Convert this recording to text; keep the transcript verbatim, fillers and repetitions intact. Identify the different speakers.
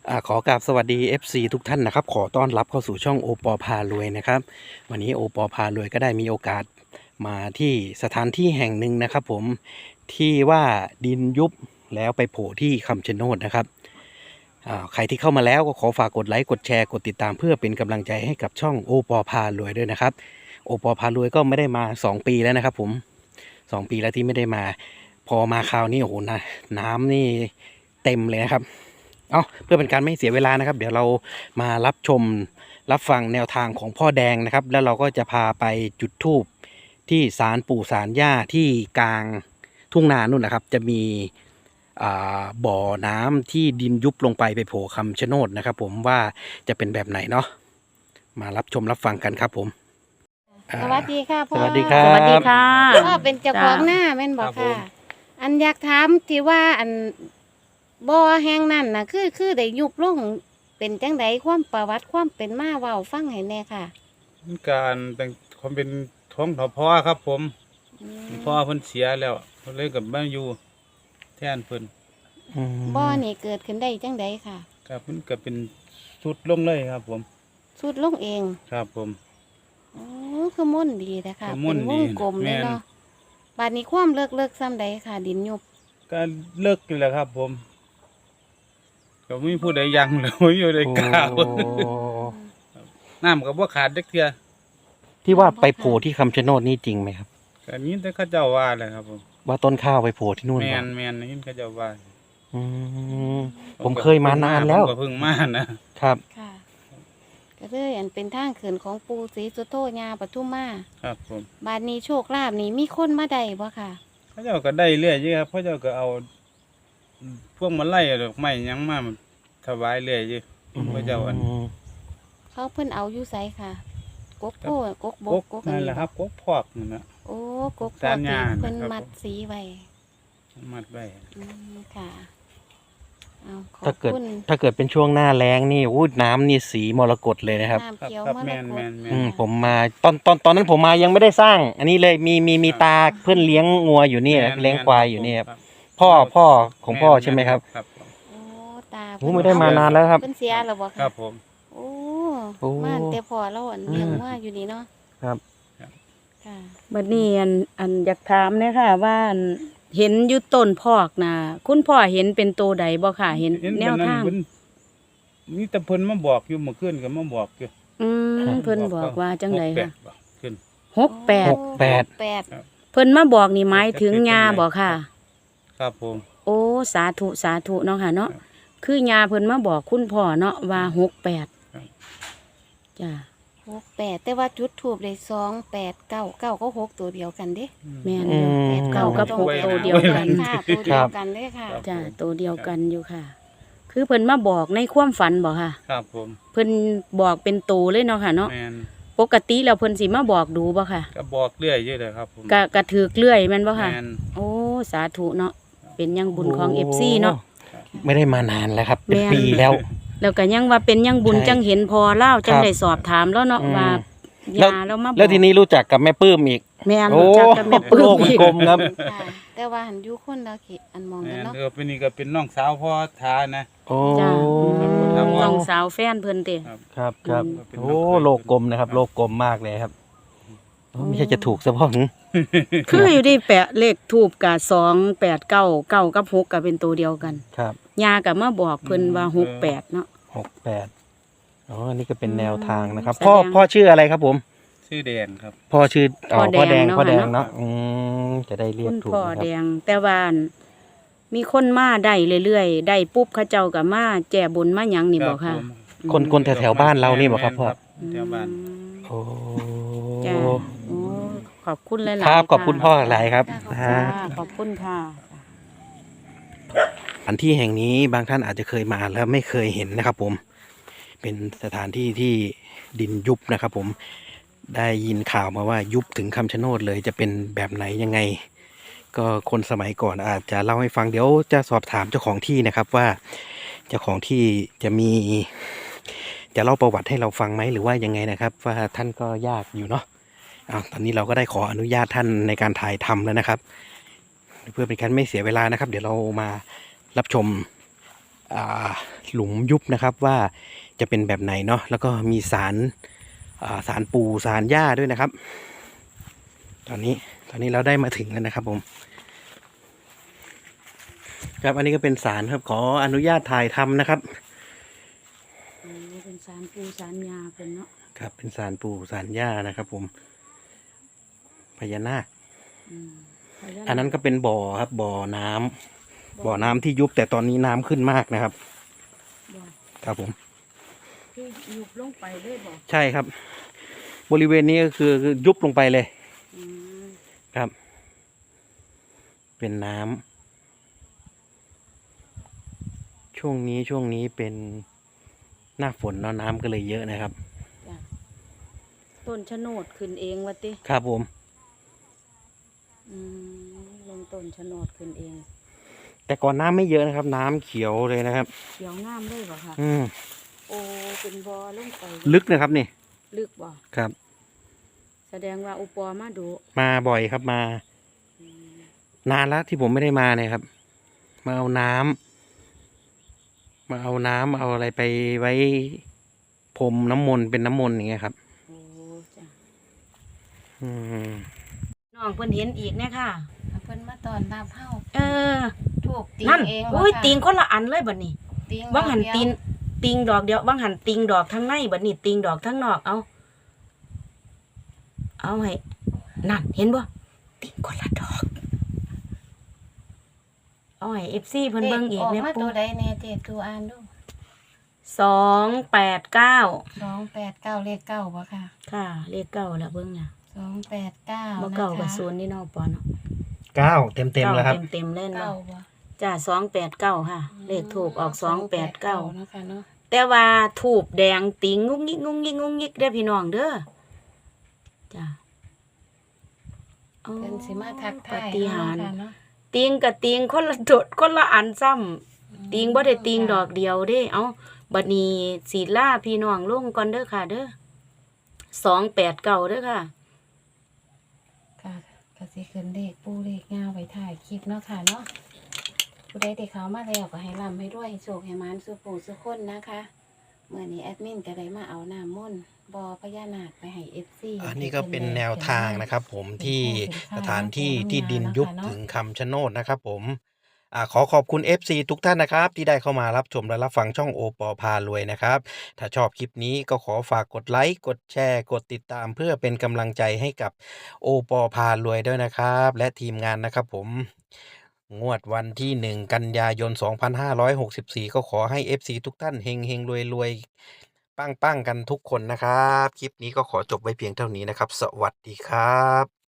Speaker 1: อ่าขอกราบสวัสดี เอฟ ซี ทุกท่านนะครับขอต้อนรับเข้าสู่ช่องโอปอพารวยนะครับวันนี้โอปอพารวยก็ได้มีโอกาสมาที่สถานที่แห่งหนึ่งนะครับผมที่ว่าดินยุบแล้วไปโผล่ที่คำชะโนดนะครับอ่าใครที่เข้ามาแล้วก็ขอฝากกดไลค์กดแชร์กดติดตามเพื่อเป็นกำลังใจให้กับช่องโอปอพารวยด้วยนะครับโอปอพารวยก็ไม่ได้มาสองปีแล้วนะครับผมสองปีแล้วที่ไม่ได้มาพอมาคราวนี้โอ้โหนะน้ำนี่เต็มเลยนะครับเอาเพื่อเป็นการไม่เสียเวลานะครับเดี๋ยวเรามารับชมรับฟังแนวทางของพ่อแดงนะครับแล้วเราก็จะพาไปจุดธูปที่ศาลปู่ศาลย่าที่กลางทุ่งนานู่นนะครับจะมีอ่าบ่อน้ำที่ดินยุบลงไปไปโผล่คำชะโนดนะครับผมว่าจะเป็นแบบไหนเนาะมารับชมรับฟังกันครับผมอ่า
Speaker 2: สวัสดีค่ะพ่อ
Speaker 1: สวัสดีครับ
Speaker 3: สวัสดีค่ะ
Speaker 2: พ่อเป็นเจ้าของหน้าแม่นบอก
Speaker 4: ครับผ
Speaker 2: ค่ะ
Speaker 4: ม
Speaker 2: อันอยากถามที่ว่าอันบ่อแห่งนั้นน่ะ คือคือได้ยุบลงเป็นจังไดความประวัติความเป็นมาเว้าฟังให้แหน่ค่ะ
Speaker 4: การแต่งความเป็นท้องถอพ่อครับผม
Speaker 2: อืม
Speaker 4: พ่อเพิ่นเสียแล้วเพิ่นเลยกลับมาอยู่แทนเพิ่น
Speaker 1: อืม
Speaker 2: บ่อนี่เกิดขึ้นได้จังไดค่ะ
Speaker 4: ครับเพิ่นก็เป็นสุดลงเลยครับผม
Speaker 2: สุดลงเอง
Speaker 4: ครับผม
Speaker 2: อ๋อคือม่วนดีแต่ค่ะ
Speaker 4: คือม่
Speaker 2: เป็
Speaker 4: วน น
Speaker 2: ว
Speaker 4: ดี
Speaker 2: งกลมเลย
Speaker 4: แม่น
Speaker 2: เนาะบาดนี้ความเลิกเลิกซ้ำใดค่ะ ดินยุบ
Speaker 4: ก็เลิกอยู่แล้วครับผมก็ไม่มีผู้ใดยังเลยไม่มีผู้ใดกล้า
Speaker 1: โอ้
Speaker 4: น้ำก็บ่ขาดเด็กเทื่อ
Speaker 1: ที่ว่าไปโผล่ที่คำชะโนดนี่จริงไหมครับ
Speaker 4: ก็นี้แต่เขาเจ้าว่าแหละครับผม
Speaker 1: ว่าต้นข้าวไปโผล่ที่นู่น
Speaker 4: แม
Speaker 1: เหรอน
Speaker 4: แมนนี่เขาเจ้าว่า
Speaker 1: อืมผมเคยมานานแล้ว
Speaker 4: ผมก็เพิ่งมานะครับ
Speaker 2: ค่ะ ก็เลยอันเป็นทางเขินของปู่ศรีสุโธญาปทุมมา
Speaker 4: ครับผม
Speaker 2: บาดนี้โชคลาภนี่มีคนมาได้บ่ค่ะ
Speaker 4: เขาเจ้าก็ได้เรื่อยอยู่ครับเขาเจ้าก็เอาพวกมาไล่ดอกไม้หยังมาถวายเรื่อยอยู่เขาเจ้าอัน
Speaker 1: อืม
Speaker 2: เขาเพิ่นเอาอยู่ไสค่ะ กกโพดกกบ
Speaker 4: ก
Speaker 2: ก
Speaker 4: ก
Speaker 2: กกอัน
Speaker 4: นั่น
Speaker 2: นี้
Speaker 4: แหละครับกกพอกนั่นนะ
Speaker 2: โอ้กกโพ
Speaker 4: สา
Speaker 2: ด
Speaker 4: ร
Speaker 2: ที่
Speaker 4: ญา
Speaker 2: เพิ่น
Speaker 4: นะครับ
Speaker 2: มัดสีไว้
Speaker 4: มัดไว้
Speaker 2: อืมค่ะเอาขอ
Speaker 1: ถ้า
Speaker 2: บ
Speaker 1: เกิด
Speaker 2: คุณ
Speaker 1: ถ้าเกิดเป็นช่วงหน้าแล้งนี่อู้น้ำนี่สีมรกตเลยนะครับ
Speaker 2: น้ำ
Speaker 4: ครับ
Speaker 2: เขียว
Speaker 4: ครับ
Speaker 2: มร
Speaker 4: แม
Speaker 2: ก
Speaker 4: น
Speaker 2: ต
Speaker 4: แมนแม
Speaker 1: อื
Speaker 4: น
Speaker 1: มผมมาตอนตอนตอนนั้นผมมายังไม่ได้สร้าง อันนี้เลยมีมีมีตาเพื่อนเลี้ยงงัวอยู่นี่นะ
Speaker 4: แม่น
Speaker 1: เลี้ยงควายอยู่นี่ครับ
Speaker 4: ครับ
Speaker 1: พ่อพ่อของพ่อใช่ไหมครับ
Speaker 4: ครับ
Speaker 2: โอ้ตา
Speaker 1: โอ้ไม่ได้มานานแล้วครับ
Speaker 2: เพิ่นเสียแล้วบ่
Speaker 4: ค
Speaker 2: ค่ะ
Speaker 4: รับผม
Speaker 2: โอ้
Speaker 1: โอ้
Speaker 2: ม่านแต่พอเราอันเลี้ยง
Speaker 1: อืม
Speaker 2: ว่าอยู่นี่เนาะ
Speaker 1: ครับ
Speaker 2: ค่ะ
Speaker 3: บัดนี้อันอันอยากถามเนี่ยค่ะ ว่าอันเห็นอยู่ต้นพอกนะคุณพ่อเห็นเป็นตัวใดบ่ค่ะ เห็น
Speaker 4: เห็น
Speaker 3: แน
Speaker 4: เป็น
Speaker 3: ว
Speaker 4: นั่น
Speaker 3: ทาง
Speaker 4: เพิ่นมีแต่เพิ่นมาบอกอยู่เมื่อคืนก็มาบอกอยู่
Speaker 3: อืมเพิ่นบอกว่าจังได
Speaker 4: หกแป
Speaker 3: ค่ะ
Speaker 4: ดบอกขึ้น
Speaker 3: หกแปด
Speaker 1: หกแปด
Speaker 2: หกแปด
Speaker 3: เพิ่นมาบอกนี่หมายถึงยาบ่ค่ะ
Speaker 4: ครับผม
Speaker 3: โอ้สาธุสาธุเนาะค่ะเนาะ
Speaker 4: ครับ
Speaker 3: คือยาเพิ่นมาบอกคุณพ่อเนาะว่าหกแปด
Speaker 4: ครับ
Speaker 3: จ้ะ
Speaker 2: หกแปดแต่ว่าจุดถูกได้สองแปดเก้าเก้าก็หกตัวเดียวกันเด้
Speaker 3: แม่น
Speaker 1: อื
Speaker 3: อยู่
Speaker 1: ม
Speaker 2: แปด
Speaker 3: เก้ากับหก
Speaker 4: ไว้
Speaker 3: ตัวเดียวกัน
Speaker 2: ค่ะตัวเดียวกันเลยค่ะ
Speaker 4: ครับ
Speaker 3: จ้ะตัวเดียวกันอยู่ค่ะ คือเพิ่นมาบอกในความฝันบ่ค่ะ
Speaker 4: ครับผม
Speaker 3: เพิ่นบอกเป็นตัวเลยเนาะค่ะเนาะ
Speaker 4: แมน
Speaker 3: ปกติแล้วเพิ่นสิมาบอกดูบ่ค่ะ
Speaker 4: ก็บอกเรื่อยอยู่เลยครับผม
Speaker 3: กะกะถือกเลื่อยแม่นบ่ค่ะ
Speaker 4: แมน
Speaker 3: โอ้สาธุเนาะเป็นยังบุญของ เอฟ ซี เนาะ
Speaker 1: ไม่ได้มานานแล้วครับ เป็น
Speaker 3: แม่น
Speaker 1: ปีแล้ว
Speaker 3: แล้วก็ยังว่าเป็นยังบุญ
Speaker 1: ใช่
Speaker 3: จังเห็นพอเล่าจัง
Speaker 1: ครับ
Speaker 3: ได้สอบถามแล้วเนาะ
Speaker 1: อืม
Speaker 3: ว่า
Speaker 1: แล้ว
Speaker 3: ยาแล้วมาบอก
Speaker 1: แล้วทีนี้รู้จักกับแม่ปื้มอีก
Speaker 3: แม่น
Speaker 1: โอ้
Speaker 3: รู้จักกับแม่ปื้
Speaker 1: โล
Speaker 3: ม
Speaker 1: กมัน
Speaker 3: อีก
Speaker 1: กลมครับ
Speaker 2: ค่ะแต่ว่าหันอยู่คนละเขตอันมอง
Speaker 4: แม
Speaker 2: กัน
Speaker 4: น
Speaker 2: เนาะ
Speaker 4: เออเป็นนี่ก็เป็นน้องสาวพ่อท้านะ
Speaker 1: โอ้
Speaker 3: จ้ะอืม
Speaker 4: ครับ
Speaker 3: น้องสาวแฟนเพิ่นติ
Speaker 4: ครับ
Speaker 1: ครับครับ
Speaker 4: อืม
Speaker 1: โอ้โลกกลมนะครับ โลกกลมมากเลยครับโอ้ไม่ใช่จะถูกซะบ้าง
Speaker 3: คืออยู่ดีแปะเลขทูบกะสองแปดเก้าเก้ากับหกก็เป็นตัวเดียวกัน
Speaker 1: ครับ
Speaker 3: ยาก็มาบอกเพิ่นว่าหกแปดเนาะ
Speaker 1: หกแปดอ๋ออันนี้ก็เป็นแนวทางนะครับ
Speaker 3: แสดง
Speaker 1: พ่อพ่อชื่ออะไรครับผม
Speaker 4: ชื่อแดนครับ
Speaker 1: พ่อชื่ออ๋อ
Speaker 3: พ่
Speaker 1: พ่
Speaker 3: อ
Speaker 1: อ
Speaker 3: แด
Speaker 1: แด
Speaker 3: ง
Speaker 1: ง
Speaker 3: เนาะ
Speaker 1: พ่อแดง
Speaker 3: เนาะ
Speaker 1: เนาะอืมจะได้เรียก
Speaker 3: คุณ
Speaker 1: ถูก
Speaker 3: พ่อ
Speaker 1: นะค
Speaker 3: แด
Speaker 1: รับ
Speaker 3: งแต่ว่าอั่นมีคนมาได้เรื่อยๆได้ปุ๊บเขาเจ้าก็มาแจ่บุญมาหยังนี่บ่ค่ะ
Speaker 4: ผม
Speaker 1: คนคนแถวแถวๆบ้านเรานี่บอกครับพ่อ
Speaker 4: แถวบ้าน
Speaker 1: โอ้
Speaker 3: จ้าโอ้ขอบคุณหลายๆ
Speaker 1: ครับขอบ
Speaker 3: ะ
Speaker 1: คุณพ่อหลายครับ
Speaker 2: ค่ะ
Speaker 1: ฮะ
Speaker 3: ค่ะขอบคุณค่ะ
Speaker 1: อันที่แห่งนี้บางท่านอาจจะเคยมาแล้วไม่เคยเห็นนะครับผมเป็นสถานที่ที่ดินยุบนะครับผมได้ยินข่าวมาว่ายุบถึงคำชะโนดเลยจะเป็นแบบไหนยังไง ก็คนสมัยก่อนอาจจะเล่าให้ฟังเดี๋ยวจะสอบถามเจ้าของที่นะครับว่าเจ้าของที่จะมีจะเล่าประวัติให้เราฟังไหมหรือว่ายังไงนะครับ ว่าท่านก็ยากอยู่เนาะอ้าวตอนนี้เราก็ได้ขออนุญาตท่านในการถ่ายทำแล้วนะครับ เพื่อเป็นการไม่เสียเวลานะครับ เดี๋ยวเรามารับชมอ่าหลุมยุบนะครับว่าจะเป็นแบบไหนเนาะแล้วก็มีสารอ่าสารปูสารหญ้าด้วยนะครับ ตอนนี้ตอนนี้เราได้มาถึงแล้วนะครับผมครับอันนี้ก็เป็นสารครับขออนุญาตถ่ายทำนะครับ
Speaker 3: อืมเป็นสารปูสารยาเป็นเนาะ
Speaker 1: ครับเป็นสารปูสารหญ้านะครับผมพญานาค
Speaker 3: อืมพญาาค
Speaker 1: อันนั้นก็เป็นบ่อครับบ่อน้ำบ่อน้ำที่ยุบแต่ตอนนี้น้ำขึ้นมากนะครับ
Speaker 3: บ่
Speaker 1: ครับผม
Speaker 3: คือยุบลงไปเลยบ่
Speaker 1: ใช่ครับ บริเวณนี้ก็คือคือยุบลงไปเลย
Speaker 3: อืม
Speaker 1: ครับ เป็นน้ำช่วงนี้ช่วงนี้เป็นหน้าฝนเนาะน้ำก็เลยเยอะนะครับ
Speaker 3: จ้ะต้นชะโนดขึ้นเองวะติ
Speaker 1: ครับผม
Speaker 3: อืมลงต้นชะโนดขึ้นเอง
Speaker 1: แต่ก่อนน้ำไม่เยอะนะครับ น้ำเขียวเลยนะครับ
Speaker 3: เขียวงามเลยบ่ค่ะ
Speaker 1: อืม
Speaker 3: โอ้เป็นบ่อลงไป
Speaker 1: ลึกนะครับนี่
Speaker 3: ลึกบ่
Speaker 1: ครับ
Speaker 3: แสดงว่าอุปอมาดู
Speaker 1: มาบ่อยครับมา
Speaker 3: อืม
Speaker 1: นานแล้วที่ผมไม่ได้มาเนี่ยครับ มาเอาน้ำมาเอาน้ำเอาอะไรไปไว้พรมน้ำมนต์เป็นน้ำมนต์อย่างเงี้ยครับ
Speaker 3: โอ้จ้ะ
Speaker 1: อืม
Speaker 3: น้องเพิ่นเห็นอีกเนี่ยค่ะ
Speaker 2: เพิ่นมาตอนรับเฮา
Speaker 3: เออ
Speaker 2: ถูกตี
Speaker 3: นั่น
Speaker 2: เอง
Speaker 3: โอ้ยติงคนละอันเลยบัดนี้
Speaker 2: ติง
Speaker 3: ว่างหัน
Speaker 2: เดียว
Speaker 3: ติงติงดอกเดียวว่างหันติงดอกทั้งในบัดนี้ติงดอกทั้งนอกเอาเอาให้นั่นเห็นบ่ติงคนละดอกเอาให้ เอฟ ซี เพิ่นเบิ่งอีก
Speaker 2: ออก
Speaker 3: แม่
Speaker 2: มา
Speaker 3: ปู่
Speaker 2: ตัวใดแน่เจ็ดตัวอ่านดู
Speaker 3: สองแปดเก้า
Speaker 2: สองแปดเก้าเลขเก้าบ่ค่ะ
Speaker 3: ค่ะเลขเก้าแล้วเบิ่งน่ะ
Speaker 2: สองแปดเก้า
Speaker 3: บ่เก้ากับศูนย์นี่เนาะปอเนาะ
Speaker 1: เก้าเต็มเต็มๆแล้วครับ
Speaker 3: เต็มๆเล่น
Speaker 2: เก้า
Speaker 3: เนาะ
Speaker 2: บ่
Speaker 3: จ้าสองแปดเก้าค่ะ เลขถูกออกสองแปดเก้า
Speaker 2: เนาะค่ะเนาะ
Speaker 3: แต่ว่าถูกแดงติงงุกงิกงุกงิกงุกงิกเด้อพี่น้องเด้อจ้า
Speaker 2: เพิ่นสิมาทักทาย
Speaker 3: ปฏิหารย์
Speaker 2: เนาะค่ะเนาะ
Speaker 3: ติงกับติงคนละโดดคนละอันซ้ำติงบ่ได้ติงดอกเดียวเด้ เอาบัดนี้สีล่าพี่น้องลงก่อนเด้อค่ะ เด้อสองแปดเก้าเด้อค่ะ
Speaker 2: ค่ะก็สิขึ้นเลขปูเลขงาไว้ถ่ายคลิปเนาะค่ะเนาะผู้ใดที่เขามาแล้วก็ให้ร่ำให้ด้วยให้โชคให้หมานสุขผู้สุขคนนะคะเมื่อนี้แอดมินก็ได้มาเอาน้ำมนต์บ่อพญานาคไปให้ เอฟ ซี
Speaker 1: อันนี้ก็เป็นแนวทางนะครับผมที่สถานที่ที่ดินยุบถึงคำชะโนดนะครับผมอ่าขอขอบคุณ เอฟ ซี ทุกท่านนะครับที่ได้เข้ามารับชมและรับฟังช่องโอปอพารวยนะครับถ้าชอบคลิปนี้ก็ขอฝากกดไลค์กดแชร์กดติดตามเพื่อเป็นกำลังใจให้กับโอปอพารวยด้วยนะครับและทีมงานนะครับผมงวดวันที่หนึ่งกันยายนสองพันห้าร้อยหกสิบสี่ก็ขอให้ เอฟ ซี ทุกท่านเฮงเฮงรวยรวยปังปังๆกันทุกคนนะครับ คลิปนี้ก็ขอจบไว้เพียงเท่านี้นะครับ สวัสดีครับ